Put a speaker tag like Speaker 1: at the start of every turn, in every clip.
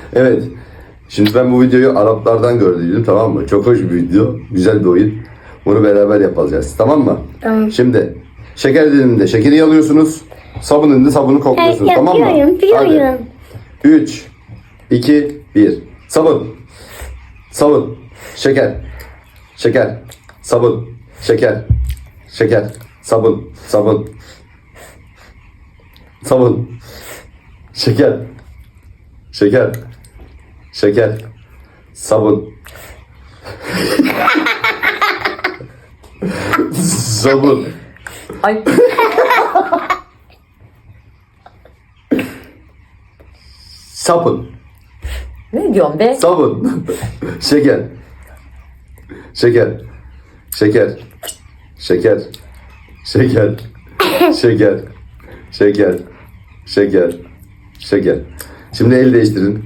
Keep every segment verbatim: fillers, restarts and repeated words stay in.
Speaker 1: Evet. Şimdi ben bu videoyu Araplardan gördüydüm, tamam mı? Çok hoş bir video. Güzel bir oyun. Bunu beraber yapacağız. Tamam mı?
Speaker 2: Tamam.
Speaker 1: Şimdi şeker diliminde şekeri yalıyorsunuz. Sabun elinde sabunu kokluyorsunuz.
Speaker 2: Evet,
Speaker 1: tamam mı?
Speaker 2: yapıyorum, yapıyorum.
Speaker 1: üç, iki, bir. Sabun. Sabun. Şeker. Şeker. Sabun. Şeker. Şeker. Sabun. Sabun. Sabun. Şeker. Şeker. Şeker. Sabun. Sabun.
Speaker 3: Ay.
Speaker 1: Sabun.
Speaker 3: Ne diyorsun be?
Speaker 1: Sabun. Şeker. Şeker. Şeker. Şeker. Şeker. Şeker. Şeker. Şeker. Şeker. Şimdi el değiştirin.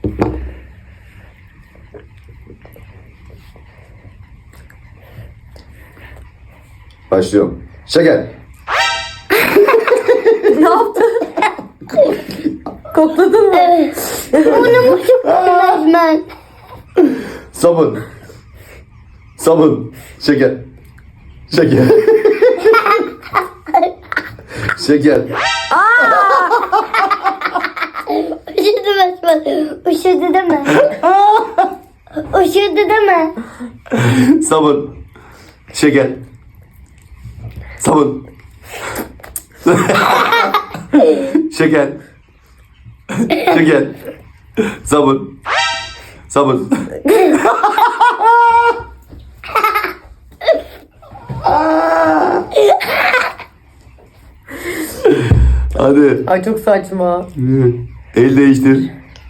Speaker 1: Başlıyorum. Şeker.
Speaker 3: Ne yaptın? Kokladın mı?
Speaker 2: Bunu mu çok ben?
Speaker 1: Sabun. Sabun. Şeker. Şeker. Şeker.
Speaker 2: Üşüdü besmele. Üşüdü deme. Üşüdü deme.
Speaker 1: Sabun. Şeker. Sabun. Şeker. Şeker. Sabun. Sabun. Hadi.
Speaker 3: Ay çok saçma.
Speaker 1: El değiştir.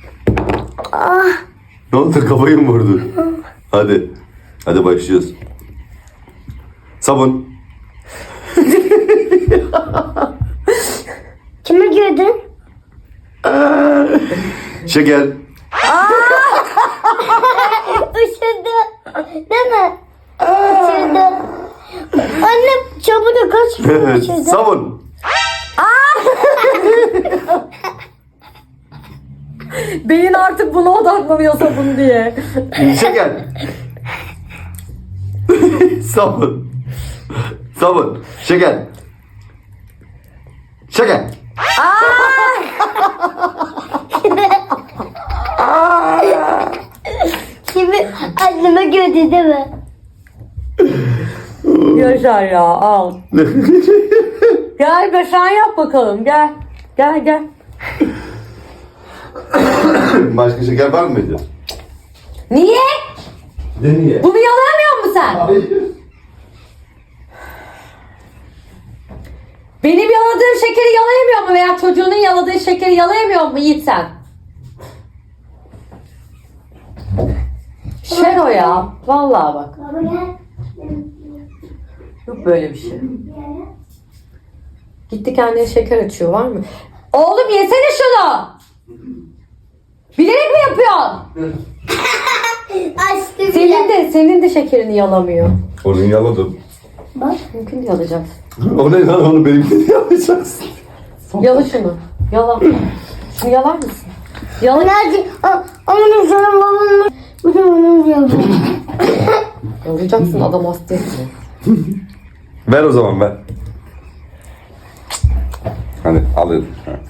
Speaker 1: Ne oldu? Kafayı mı vurdu? Hadi. Hadi başlıyoruz. Sabun.
Speaker 2: Kimi gördün?
Speaker 1: Şeker.
Speaker 2: Üşüdü. Deme. Üşüdü. Anne çabuk kaç.
Speaker 1: Evet.
Speaker 2: Üşüdü.
Speaker 1: Sabun.
Speaker 3: Beyin artık buna odaklanıyor sabun diye.
Speaker 1: Şeker. Sabun. Sabun. Şeker. Şeker.
Speaker 2: Kimi anneme gördü değil mi?
Speaker 3: Yaşar ya al. Gel be sen yap bakalım gel. Gel gel.
Speaker 1: Başka şeker var mıydı?
Speaker 3: Niye?
Speaker 1: Ne niye?
Speaker 3: Bunu yalamıyor musun sen?
Speaker 1: Hayır.
Speaker 3: Benim yaladığım şekeri yalayamıyor mu veya çocuğunun yaladığı şekeri yalayamıyor mu Yiğit sen? Şero ya. Vallahi bak.
Speaker 2: Baba gel.
Speaker 3: Yok böyle bir şey. Gitti kendine şeker açıyor var mı? Oğlum yesene şunu. Bilerek mi yapıyorsun?
Speaker 2: Açtı
Speaker 3: Senin
Speaker 2: bile.
Speaker 3: de senin de şekerini yalamıyor.
Speaker 1: Onu yaladım.
Speaker 2: Bak.
Speaker 3: Mümkün değil yalayacaksın.
Speaker 1: O ne lan, onu benimkini yapacaksın.
Speaker 3: Yala şunu. Yala. Şunu yalar mısın? Yala.
Speaker 2: Nerede? Onun sana babamın. Bu da onun yapıyor.
Speaker 3: Yalayacaksın adam hasta etsin.
Speaker 1: Ver o zaman ver. Hadi alayım.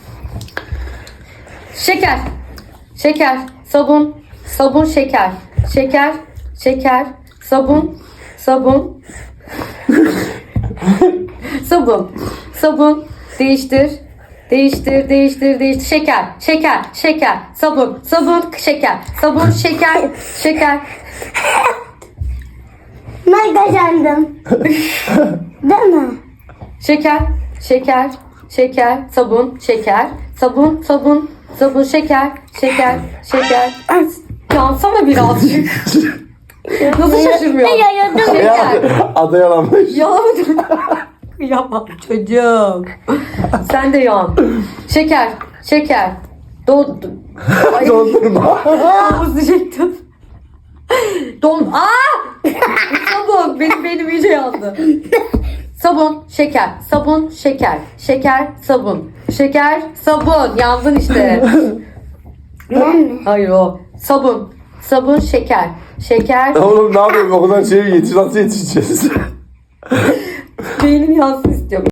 Speaker 3: Şeker. Şeker. Sabun. Sabun şeker. Şeker. Şeker. Sabun. Sabun. Sabun. Sabun. Değiştir. Değiştir, değiştir, değiştir. Şeker, şeker, şeker, sabun, sabun, şeker, sabun, şeker, şeker.
Speaker 2: Ben kazandım. Değil mi?
Speaker 3: Şeker, şeker, şeker, sabun, şeker, sabun, sabun, sabun, şeker, şeker, şeker. Yansana birazcık. Nasıl şaşırmıyor?
Speaker 2: Ne yayıldım?
Speaker 3: Şeker.
Speaker 1: Adı yalanmış.
Speaker 3: Yalamadım. Yapma çocuğum. Sen de yan. Şeker, şeker. Don... Ay,
Speaker 1: Dondurma.
Speaker 3: Havuz diyecektim. Don... Aa! Sabun. Benim benim iyice yandı. Sabun, şeker. Sabun, şeker. Şeker, sabun. Şeker, sabun. Yandın işte.
Speaker 2: Ben mi?
Speaker 3: Hayır o. Sabun. Sabun, şeker. Şeker.
Speaker 1: Oğlum ne yapayım o kadar şeye yetiş nasıl yetişeceğiz?
Speaker 3: Beynim yansın istiyor.